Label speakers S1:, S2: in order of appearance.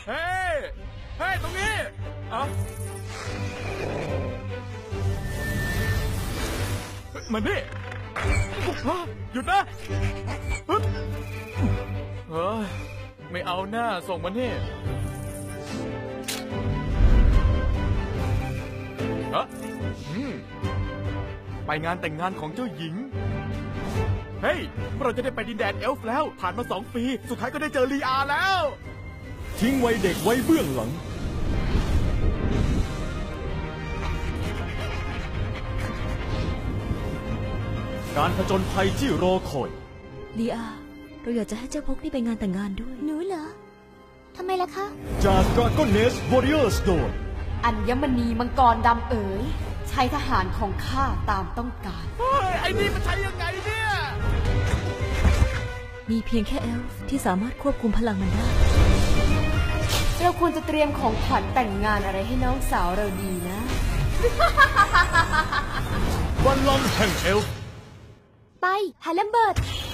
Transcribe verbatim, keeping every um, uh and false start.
S1: เฮ้ยเฮ้ยตรงนี้อ่ะมานี่หยุดนะเฮ้ยไม่เอาหน้าส่งมันนี่ฮะไปงานแต่งงานของเจ้าหญิงเฮ้ยเราจะได้ไปดินแดนเอลฟ์แล้วผ่านมาสองปีสุดท้ายก็ได้เจอลีอาแล้ว
S2: ทิ้งวัยเด็กไว้เบื้องหลังการผจญภัยที่รอคอย
S3: ลีอาเราอยากจะให้เจ้าพกนี่ไปงานแต่งงานด้วย
S4: หนูเหรอทำไมล่ะคะ
S2: จาก Dragon Nest Warriors โดย
S5: อัญมณีมังกรดำเอ๋ยใช้ทหารของข้าตามต้องการ
S1: เฮ้ยไอ้นี่มันใช้ยังไงเนี่ย
S3: มีเพียงแค่เอลฟ์ที่สามารถควบคุมพลังมันได้
S5: เราควรจะเตรียมของขวัญแต่งงานอะไรให้น้องสาวเราดีนะ
S2: บัลลังก์แห่งเอลฟ์
S4: ไปฮาเลมเบิร์ด